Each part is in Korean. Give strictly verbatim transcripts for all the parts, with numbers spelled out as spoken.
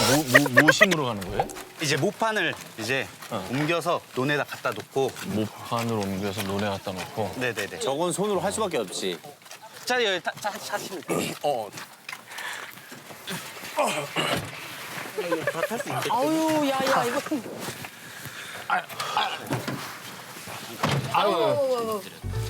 뭐, 뭐, 뭐 심으러 가는 거예요? 이제 모판을 이제 어. 옮겨서 논에다 갖다 놓고. 모판을 옮겨서 논에 갖다 놓고. 네네네. 저건 손으로 할 수밖에 없지. 자, 여기 타, 타, 타시면 돼요. 어. 아유, 야, 야, 이거. 아유,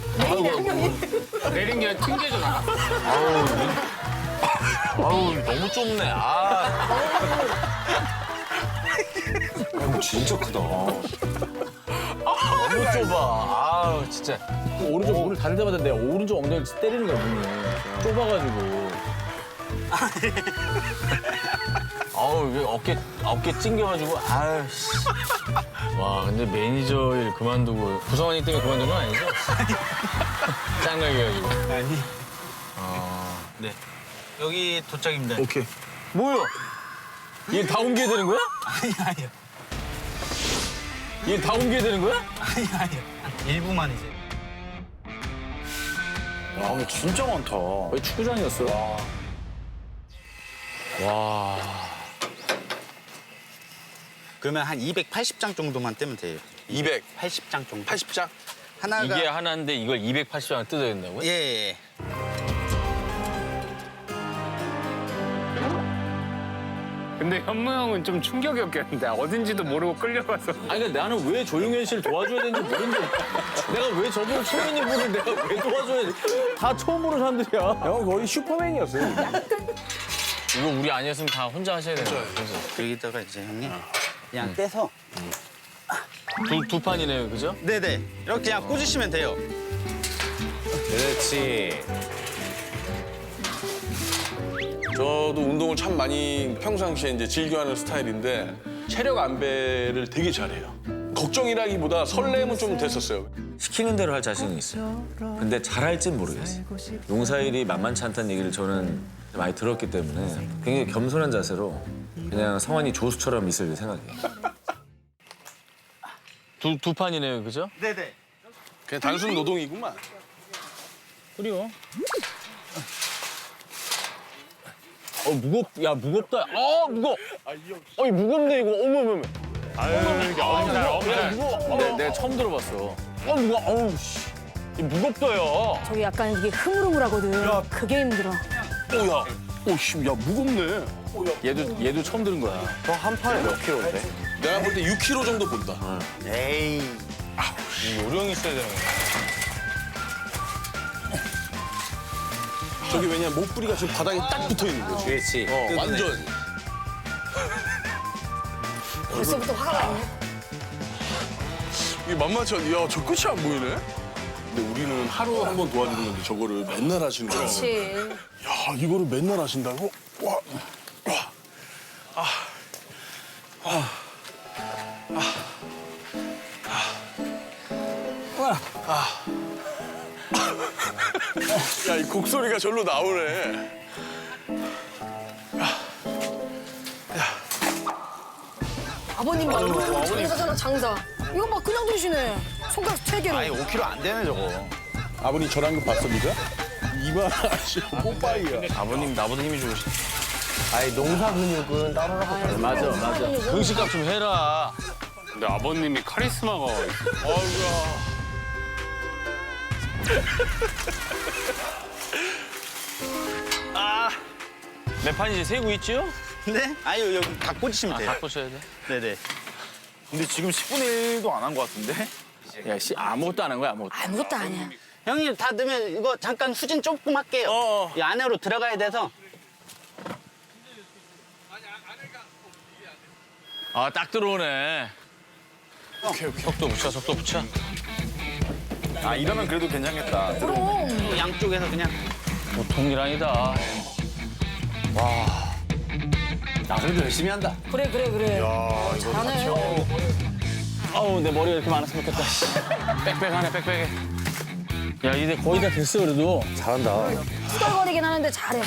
내린 게 튕겨져나. 아우, 아우, 너무 좁네. 아. 진짜 크다. 너무 좁아. 아우, 진짜. 오른쪽 문을 닫을 때마다 내 오른쪽 엉덩이를 때리는 거야, 문이. 좁아가지고. 아우, 이게 어깨, 어깨 찡겨가지고, 아유, 씨. 와, 근데 매니저 일 그만두고, 구성원이 때문에 그만둔 건 아니죠? 짱나게 해가지고. 아니. 아, 네. 여기 도착입니다. 오케이. 뭐야? 얘 다 옮겨야 되는 거야? 아니, 아니요. 얘 다 옮겨야 되는 거야? 아니, 아니요. 일부만 이제. 야, 근데 진짜 많다. 거의 축구장이었어. 와. 그러면 한 이백팔십 장 정도만 떼면 돼요. 이백팔십 장 정도. 팔십 장? 하나가. 이게 하나인데 이걸 이백팔십 장을 뜯어야 된다고요? 예, 예. 근데 현무 형은 좀 충격이었겠는데 어딘지도 모르고 끌려가서. 아니, 근데 나는 왜 조용현 씨를 도와줘야 되는지 모르는데. 내가 왜 저분 초면인 분을 내가 왜 도와줘야 돼? 다 처음 보는 사람들이야. 형 거의 슈퍼맨이었어요. 이거 우리 아니었으면 다 혼자 하셔야 되는 거예요. 그래서 여기다가 이제 형님 음. 그냥 떼서. 두, 두 판이네요, 그죠? 네네. 이렇게 그냥 꽂으시면 돼요. 그렇지. 저도 운동을 참 많이 평상시에 이제 즐겨하는 스타일인데 체력 안배를 되게 잘해요. 걱정이라기보다 설렘은 좀 됐었어요. 시키는 대로 할 자신은 있어요. 근데 잘할진 모르겠어요. 농사일이 만만치 않다는 얘기를 저는 많이 들었기 때문에 굉장히 겸손한 자세로 그냥 성환이 조수처럼 있을 생각이에요. 두, 두 판이네요, 그죠? 네네. 그냥 단순 노동이구만. 그래요. 어, 무겁, 야, 무겁다. 아, 무거워. 어이, 무겁네, 이거. 어머, 어머, 어머. 아유, 이게 엄살, 엄살. 무거워. 내, 내가 처음 들어봤어. 어, 무거워. 어우, 씨. 이 무겁다요. 저기 약간 이게 흐물흐물하거든. 그게 힘들어. 오야, 오씨, 야 무겁네. 얘도, 얘도 처음 들은 거야. 한 판에 몇 킬로인데? 내가 볼 때 육 킬로그램 정도 본다. 에이. 이 요령이 있어야 되는 거야. 저기 왜냐 목 부리가 지금 바닥에 딱 붙어 있는 거지. 그렇지. 어, 완전. 벌써부터 화가 나네. 이게 만만치 않. 야, 저 끝이 안 보이네. 근데 우리는 하루 한 번 도와주는 건데 저거를 맨날 하시는 거야. 그렇지. 야, 이거를 맨날 하신다고? 와, 와, 아, 아, 아, 아, 야, 이 곡소리가 절로 나오네. 아버님 봐, 이거 장사잖아, 장사. 이거 봐, 그냥 드시네. 손가락 세 개로. 아니, 오 킬로그램 안 되네, 저거. 아버님 저랑 그 봤어, 니가? 이만하시 뽀빠이야. 아버님, 나보다 힘이 좋으시네. 아니, 농사 근육은 따로라고. 맞아, 맞아. 음식값 좀 해라. 근데 아버님이 카리스마가 아이고야. 몇 판이지? 세고 있지요? 네? 아유, 여기 다 꽂으시면 아, 돼요. 다 꽂혀야 돼? 네네. 근데 지금 십분의 일도 안 한 것 같은데? 야, 씨, 아무것도 안 한 거야, 아무것도. 아무것도 아니야. 형님, 다 넣으면 이거 잠깐 후진 조금 할게요. 어. 이 안으로 들어가야 돼서. 아, 딱 들어오네. 오케이, 오케이. 속도 붙여, 속도 붙여. 아, 이러면 그래도 괜찮겠다. 그럼. 양쪽에서 그냥. 보통 일 아니다. 나 그래도 열심히 한다. 그래, 그래, 그래. 잘하네. 아우, 내 머리가 이렇게 많았으면 좋겠다. 씨. 빽빽하네, 빽빽해. 야, 이제 거의 다 됐어, 그래도. 잘한다. 투덜거리긴 하는데 잘해.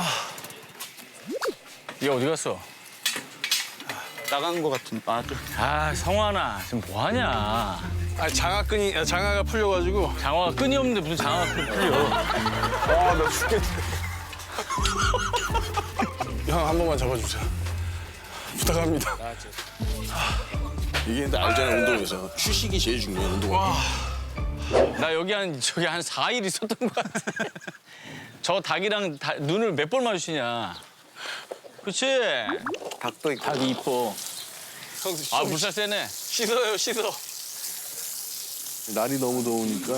얘 어디 갔어? 나간 것 같은. 아, 좀. 아, 성환아, 지금 뭐 하냐? 아, 장화끈이, 아, 장화가 풀려가지고. 장화가 끈이 없는데 무슨 장화가 끈 풀려? 아, 나 죽겠다. 형, 한 번만 잡아주세요. 부탁합니다. 이게 근데 알잖아, 운동에서. 휴식이 제일 중요해, 운동할 때. 나 여기 한 저기 한 사 일 있었던 것 같아. 저 닭이랑 다- 눈을 몇 번 마주치냐. 그렇지? 닭도 있고. 닭이 이뻐. 아 물살 세네. 씻어요, 씻어. 날이 너무 더우니까.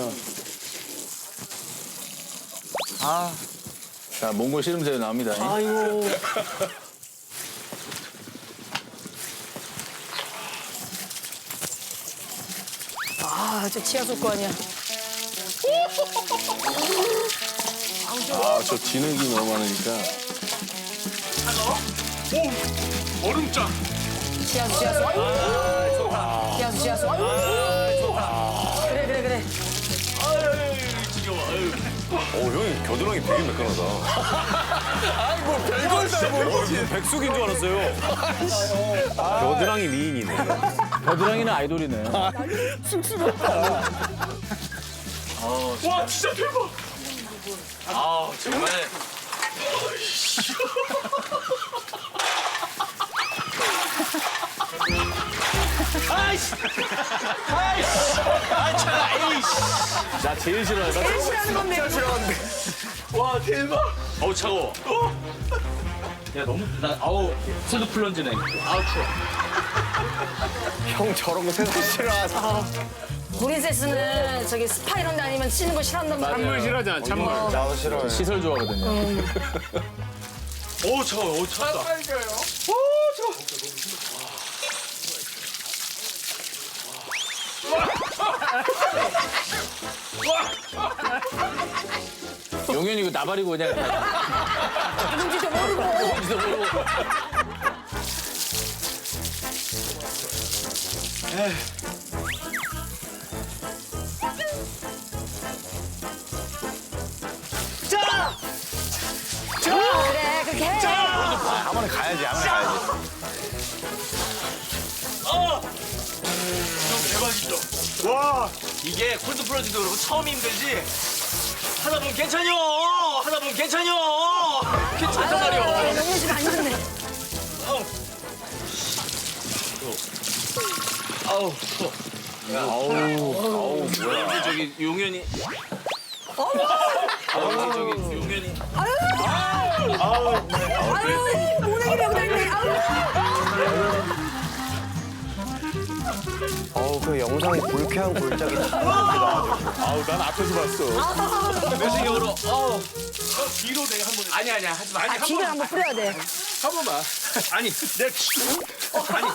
자, 몽골 씨름새우 나옵니다. 아이고. 아, 저 치아솔 거 아니야. 아, 저 진흙이 너무 많으니까. 오! 얼음장! 치아솔, 치아솔. 아이고. 치아솔, 치아솔. 아이고. 그래, 그래, 그래. 어, 형이 겨드랑이 되게 매끈하다. 백숙인 줄 알았어요. 겨드랑이 미인이네. 겨드랑이는 아이돌이네. 와, 진짜 대박! 아 정말. 나 제일 싫어하다. 제일 싫어하는 건데. 와 대박. 어우 차가워. 야 너무 나 아우 손도 풀런지네. 아우 추워. 형 저런 거 세상 싫어하잖아. 브린세스는 저기 스파 이런 데 아니면 치는 거 싫어한단 말이야. 찬물 싫어하잖아, 찬물. 나도 싫어해. 시설 좋아하거든요. 어우 차가워. 어우 차다. 용현이 이거 나발이고 그냥 다 누군지도 모르고. 어디서 모르고. 그래, 그렇게 해. 아무나 가야지, 아무나 가야지. 이게 콜드 플러지도 그렇고 처음 힘들지. 하다 보면 괜찮요. 하다 보면 괜찮요. 괜찮단 말이야. 영현 씨가 안 좋네. 아우 추워. 아우 뭐야? 저기 용현이. 아우 저기 용현이. 아유, 모내기라고 다니네. 아유. 어우, 그 영상이 불쾌한 골짜기. 아우, 난 앞에서 봤어. 내생각으로 어. 뒤로 내가 한 번. 아니 아니야 하지 마. 아니 아, 기를 한번 뿌려야 돼. 한 번만. 아니 내. 아니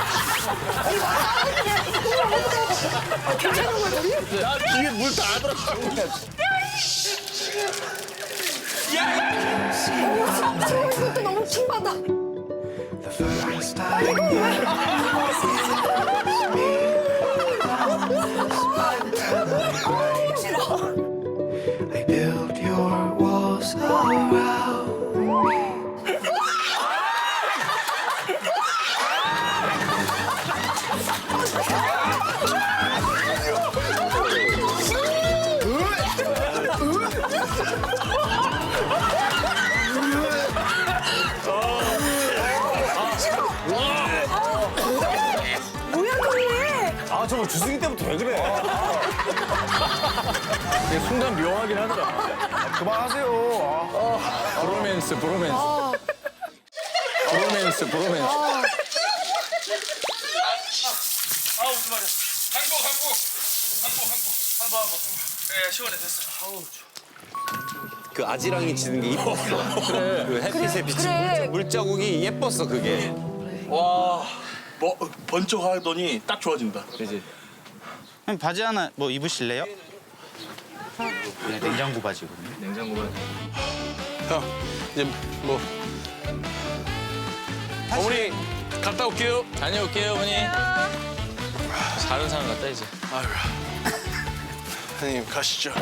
괜찮은 거야, 우리? 나 뒤에 물 다 들어가. 저 이것도 너무 킹받아. 아, 이거 왜? 아, 싫어. I built your walls around me. 뭐야, 너네? 아, 저거 주승이 때부터 왜 그래? 근데 순간 묘하긴 하더라. 그만하세요. 브로맨스, 브로맨스. 브로맨스, 브로맨스. 아우 무슨 말이야. 한국 한국 한국 한국 한국 한국. 예 시원해 됐어. 아우 그 아지랑이 지는 게 이뻤어. 그 햇빛에 비친 그래. 물자국이 예뻤어, 그게. 와, 뭐, 번쩍하더니 딱 좋아진다. 형 바지 하나 뭐 입으실래요? 네, 냉장고 바지거든요. 형, 이제 뭐. 어머니, 갔다 올게요. 다녀올게요 어머니. 다른 사람 같다 이제. 아유, 형님, 가시죠.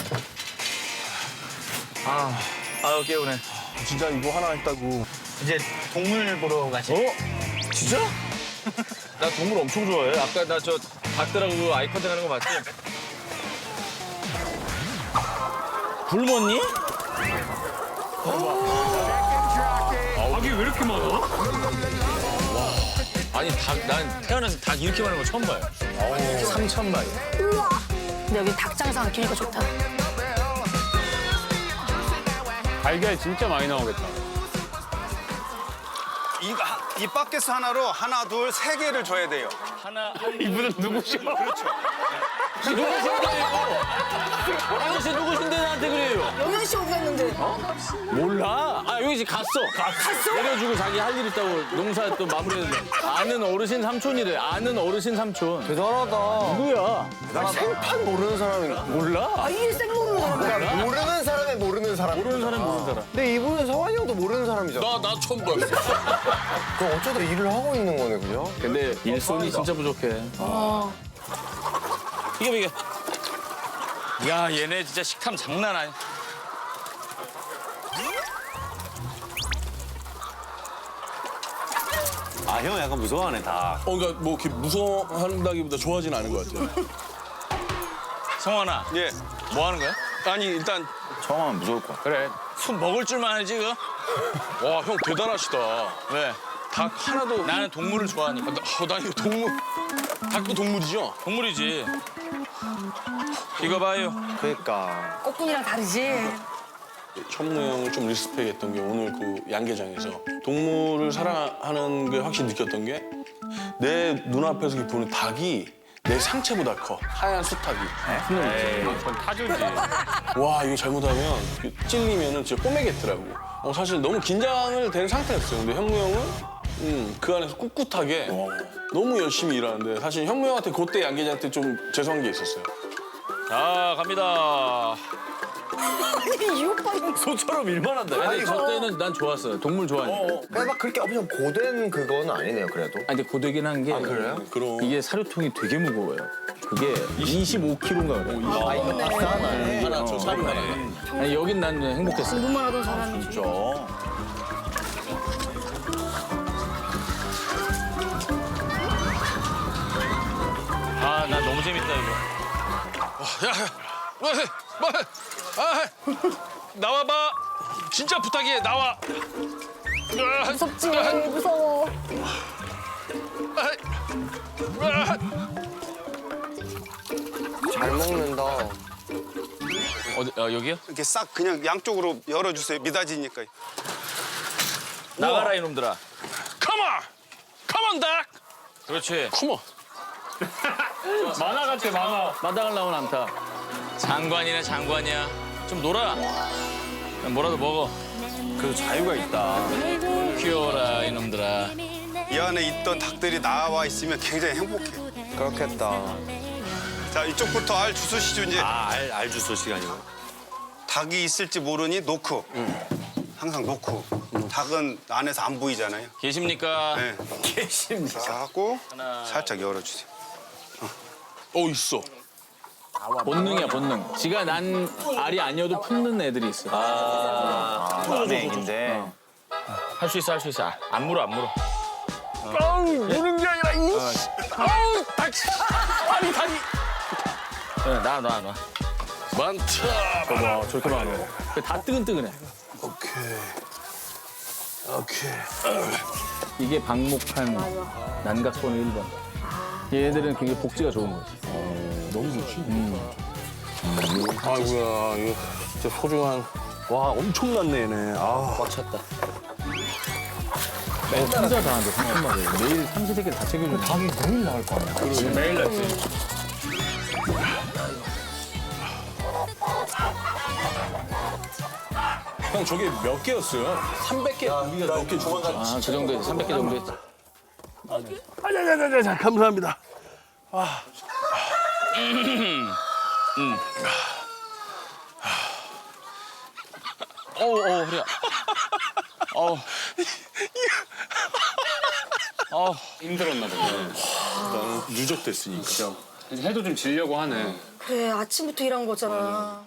아유, 깨우네. 진짜 이거 하나 했다고. 이제 동물 보러 가시. 어? 진짜? 나 동물 엄청 좋아해. 아까 나 저 닭들하고 아이 컨택 하는 거 봤지? 굶었니? 닭이 왜 이렇게 많아? 아니 닭, 난 태어나서 닭 이렇게 많은 거 처음 봐요. 삼천 마리. 근데 여기 닭 장사가 기니까 좋다. 달걀 진짜 많이 나오겠다. 이, 하- 이 바켓 하나로 하나, 둘, 세 개를 줘야 돼요. 하나 이분은 누구셔? 누구신데요? 아저씨 누구신데 나한테 그래요? 영현 씨 어디 갔는데? 몰라. 아 여기 지금 갔어. 갔어? 내려주고 자기 할 일 있다고 농사 또 마무리해서 아는 어르신 삼촌이래. 아는 어르신 삼촌. 대단하다. 누구야? 생판 모르는 사람이 몰라. 아, 이게 생 모르는 사람. 모르는 사람이 모르는 사람. 모르는 사람 모르는 사람. 근데 이분은 성환이 형도 모르는 사람이잖아. 나, 나 처음 봤어. 그럼 어쩌다 일을 하고 있는 거네, 그죠? 근데 일손이 진짜 부족해. 이게 이게. 야 얘네 진짜 식탐 장난 아니야. 아, 형 약간 무서워하네, 다. 어, 그러니까 뭐 이렇게 무서워한다기보다 좋아하진 않은 것 같아요. 성환아. 예. 뭐 하는 거야? 아니 일단 처음 하면 무서울 거야. 그래. 술 먹을 줄만 알지 그? 와 형 대단하시다. 왜? 닭 하나도 나는 동물을 좋아하니까. 아, 나, 어, 나 이거 동물 닭도 동물이죠? 동물이지. 이거 봐요. 그러니까. 꽃분이랑 다르지? 천무 형을 좀 리스펙했던 게 오늘 그 양계장에서 동물을 사랑하는 걸 확실히 느꼈던 게 내 눈앞에서 이렇게 보는 닭이 내 상체보다 커. 하얀 수탉이. 그건 타조지. 와 이거 잘못하면 찔리면은 진짜 꼬매겠더라고. 어, 사실 너무 긴장을 된 상태였어요. 근데 현무 형은 음, 그 안에서 꿋꿋하게 너무 열심히 일하는데 사실 현무 형한테 그때 양계장한테 좀 죄송한 게 있었어요. 자 갑니다. 아니, 이 오빠 이거 소처럼 일만 한다. 아니 저 때는 난 좋았어요. 동물 좋아하니까. 그러니까 막 그렇게 엄청 고된 그거는 아니네요, 그래도. 아니 근데 고되긴 한 게 그래요? 그럼 이게 사료통이 되게 무거워요. 그게 이십오 킬로그램인가 그래요. 아, 이거 비싸네. 하나 저 사료 하나. 아니 여긴 난 행복했어. 공부만 하던 사람이. 진짜. 아 나 너무 재밌다 이거. 야야 뭐, 뭐, 아, 나와봐. 진짜 부탁해 나와. 무섭지? 무서워. 잘 먹는다. 어디 어, 여기요? 이렇게 싹 그냥 양쪽으로 열어주세요. 미닫이니까. 나가라 이놈들아. Come on, come on, 닭. 그렇지. Come on. 만화 같아 만화. 마당을 나온 않다. 장관이네 장관이야. 좀 놀아. 그냥 뭐라도 먹어. 그래도 자유가 있다. 귀여워라 이놈들아. 이 안에 있던 닭들이 나와 있으면 굉장히 행복해. 그렇겠다. 자, 이쪽부터 알 주소시죠, 이제. 아, 알, 알 주소 시간이고. 닭이 있을지 모르니 놓고. 항상 놓고. 닭은 안에서 안 보이잖아요. 계십니까? 네. 계십니까? 자, 하고 살짝 열어주세요. 어 있어. 본능이야 본능. 지가 난 알이 아니어도 품는 애들이 있어. 아, 남의 얘기인데. 할 수 있어 할 수 있어. 안 물어 안 물어. 아우 무는 게 아니라 이. 아우 닭. 다리 다리. 나 나 나. 많다. 봐봐 저렇게 많아. 다 뜨근뜨근해. 오케이. 오케이. 이게 방목한 난각번호 일 번. 얘네들은 굉장히 복지가 좋은 거지. 너무 좋지. 음. 아이고야 이거 진짜 소중한. 와 엄청났네 얘네. 아. 꽉 찼다. 혼자 다 하는데 삼천 마리. 매일 삼시 세끼를 다 챙겨주는 닭이 매일 나올 거 아니야. 그렇지 매일 났지. 형 저게 몇 개였어요? 삼백 개. 우리가 몇 개 죽었죠? 아, 그 정도 했지. 삼백 개 정도 했지. 아자자자자 감사합니다. 어우 어우 그래. 어우. 어우. 힘들었나 보네. 나는 누적됐으니까. 이제 해도 좀 지려고 하네. 그래, 아침부터 일한 거잖아.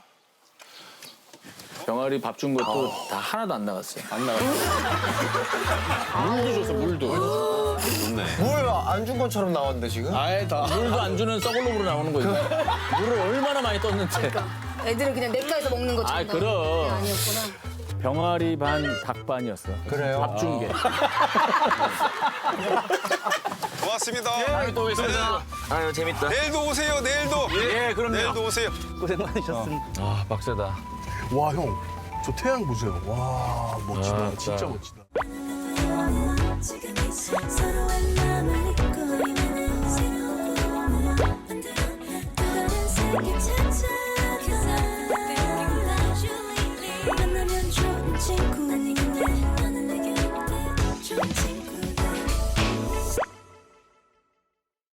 병아리 밥 준 것도 다 하나도 안 나갔어요. 안 나갔어. 물도 줬어, 물도. 뭘 안 준 것처럼 나왔는데, 지금? 아예 다. 물도 안 주는 썩을로으로 나오는 거지. 물을 얼마나 많이 떴는데. 애들은 그냥 냇가에서 먹는 것처럼. 아, 그럼. 나오는 게 아니었구나. 병아리 반, 닭 반이었어. 그래요? 밥 준 게. 고맙습니다. 다음에 또 오겠습니다. 아유 재밌다. 내일도 오세요. 내일도. 예, 그럼요. 내일도 오세요. 아 빡세다. 와, 형. 저 태양 보세요. 와, 멋지다. 아, 진짜 진짜. 멋지다. 지금 이 서로의 마음을